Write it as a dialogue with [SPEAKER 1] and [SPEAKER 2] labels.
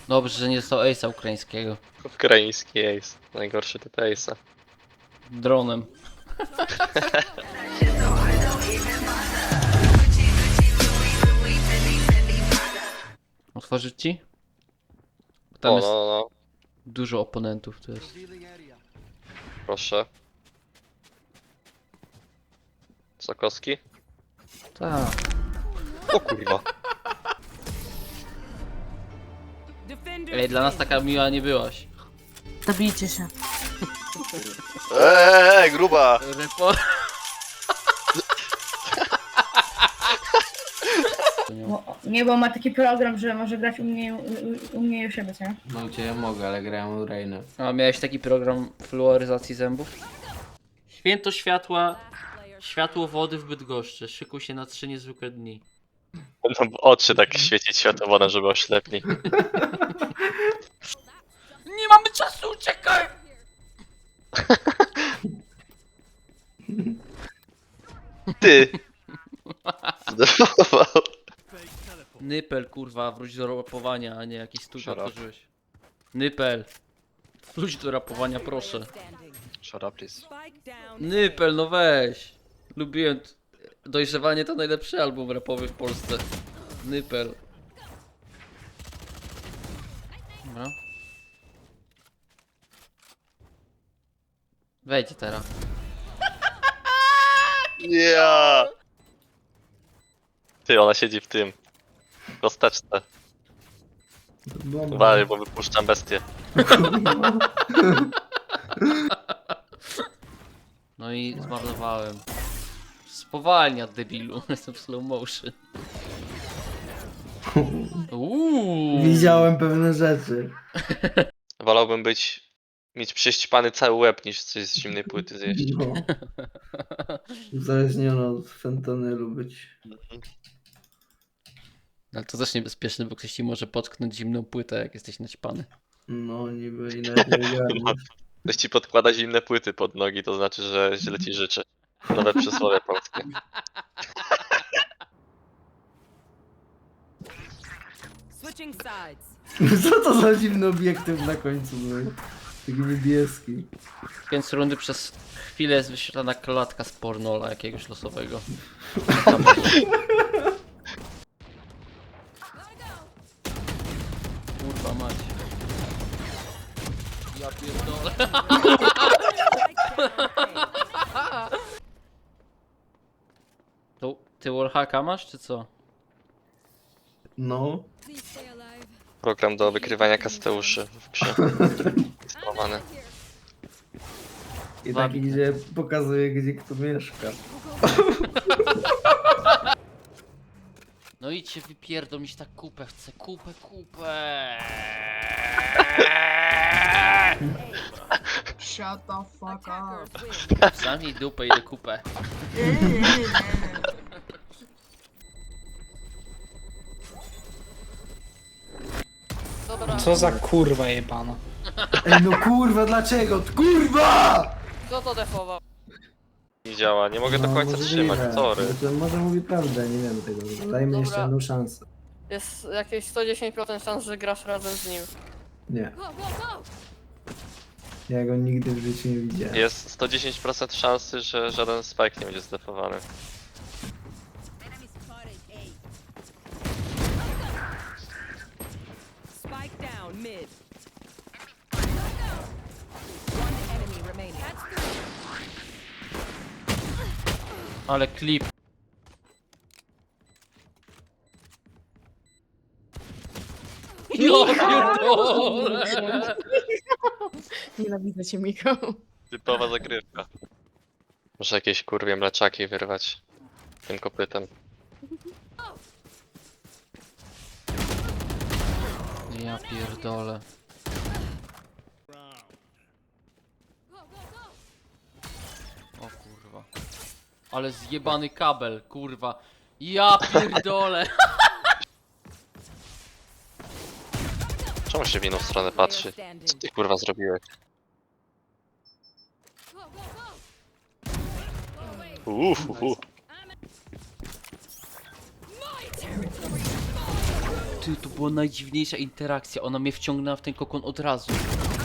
[SPEAKER 1] Dobrze, że nie dostał ace'a ukraińskiego.
[SPEAKER 2] Ukraiński ace. Najgorszy typ ace'a.
[SPEAKER 1] Dronem. Otworzyć ci? Bo tam
[SPEAKER 2] O,
[SPEAKER 1] jest
[SPEAKER 2] no.
[SPEAKER 1] dużo oponentów, to jest.
[SPEAKER 2] Proszę. Sokowski?
[SPEAKER 1] Tak.
[SPEAKER 2] O kurwa.
[SPEAKER 1] Ej, dla nas taka miła nie byłaś.
[SPEAKER 3] Zabijcie się.
[SPEAKER 2] Gruba!
[SPEAKER 1] Repo...
[SPEAKER 4] Nie, bo ma taki program, że może grać u mnie i u siebie, nie?
[SPEAKER 5] No gdzie ja mogę, ale grałem u Reina.
[SPEAKER 1] A miałeś taki program fluoryzacji zębów? Święto światła, światło wody w Bydgoszczy. Szykuj się na 3 niezwykłe dni.
[SPEAKER 2] Będą oczy tak świecić światłowodem, żeby oślepli.
[SPEAKER 1] Nie mamy czasu, uciekaj!
[SPEAKER 2] Ty! Zdefował.
[SPEAKER 1] Nypel, kurwa, wróć do rapowania, a nie jakiś studio
[SPEAKER 2] Shut up.
[SPEAKER 1] otworzyłeś. Nypel. Wróć do rapowania, proszę.
[SPEAKER 2] Shut up, please.
[SPEAKER 1] Nypel, no weź. Lubiłem... Dojrzewanie to najlepszy album rapowy w Polsce. Nypel. Dobra. Wejdź teraz.
[SPEAKER 2] Yeah! Ty, ona siedzi w tym. W kosteczce. Uważaj, bo wypuszczam bestię.
[SPEAKER 1] No i zmarnowałem. Spowalnia, debilu. Jestem w slow motion.
[SPEAKER 5] Widziałem pewne rzeczy.
[SPEAKER 2] Wolałbym mieć prześcipany cały łeb, niż coś z zimnej płyty zjeść.
[SPEAKER 5] No. Uzależniony od fentanylu być.
[SPEAKER 1] Ale to też niebezpieczne, bo ktoś ci może potknąć zimną płytę, jak jesteś naćpany.
[SPEAKER 5] No niby i nawet nie wiedziałem.
[SPEAKER 2] Ktoś ci podkłada zimne płyty pod nogi, to znaczy, że źle ci życzy. Nowe przysłowie polskie.
[SPEAKER 6] Switching sides.
[SPEAKER 5] Co to za dziwny obiektyw na końcu był? Taki niebieski.
[SPEAKER 1] Więc rundy przez chwilę jest wyświetlana klatka z pornola jakiegoś losowego. Kurwa mać. Ja pierdolę. To ty wallhacka masz, czy co?
[SPEAKER 5] No.
[SPEAKER 2] Program do wykrywania kasteuszy w grze. Instalowany.
[SPEAKER 5] I taki, gdzie pokazuje, gdzie kto mieszka.
[SPEAKER 1] No idźcie wypierdolić tak kupę, chcę kupę.
[SPEAKER 4] Shut the fuck up.
[SPEAKER 1] Zamknij dupę i kupę.
[SPEAKER 7] Co za kurwa jebana.
[SPEAKER 5] Ej no kurwa, dlaczego? Kurwa!
[SPEAKER 1] Kto to defował?
[SPEAKER 2] Nie działa, nie mogę do
[SPEAKER 5] No,
[SPEAKER 2] końca
[SPEAKER 5] możliwe.
[SPEAKER 2] trzymać, sorry.
[SPEAKER 5] To może mówi prawdę, nie wiem tego. Dajmy
[SPEAKER 8] Dobra.
[SPEAKER 5] jeszcze jedną szansę.
[SPEAKER 8] Jest jakieś 110% szans, że grasz razem z nim.
[SPEAKER 5] Nie. Ja go nigdy w życiu nie widziałem.
[SPEAKER 2] Jest 110% szansy, że żaden spike nie będzie zdefowany.
[SPEAKER 6] Spike down mid. One enemy remaining.
[SPEAKER 1] Ale klip. Ja pierdolę.
[SPEAKER 3] Nienawidzę cię, Michał.
[SPEAKER 2] Typowa zagrywka. Muszę jakieś kurwie mleczaki wyrwać tym kopytem.
[SPEAKER 1] Ja pierdolę. O kurwa. Ale zjebany kabel, kurwa. Ja pierdolę.
[SPEAKER 2] Czemu się w inną stronę patrzy? Co ty kurwa zrobiłeś?
[SPEAKER 1] Ty, to była najdziwniejsza interakcja. Ona mnie wciągnęła w ten kokon od razu.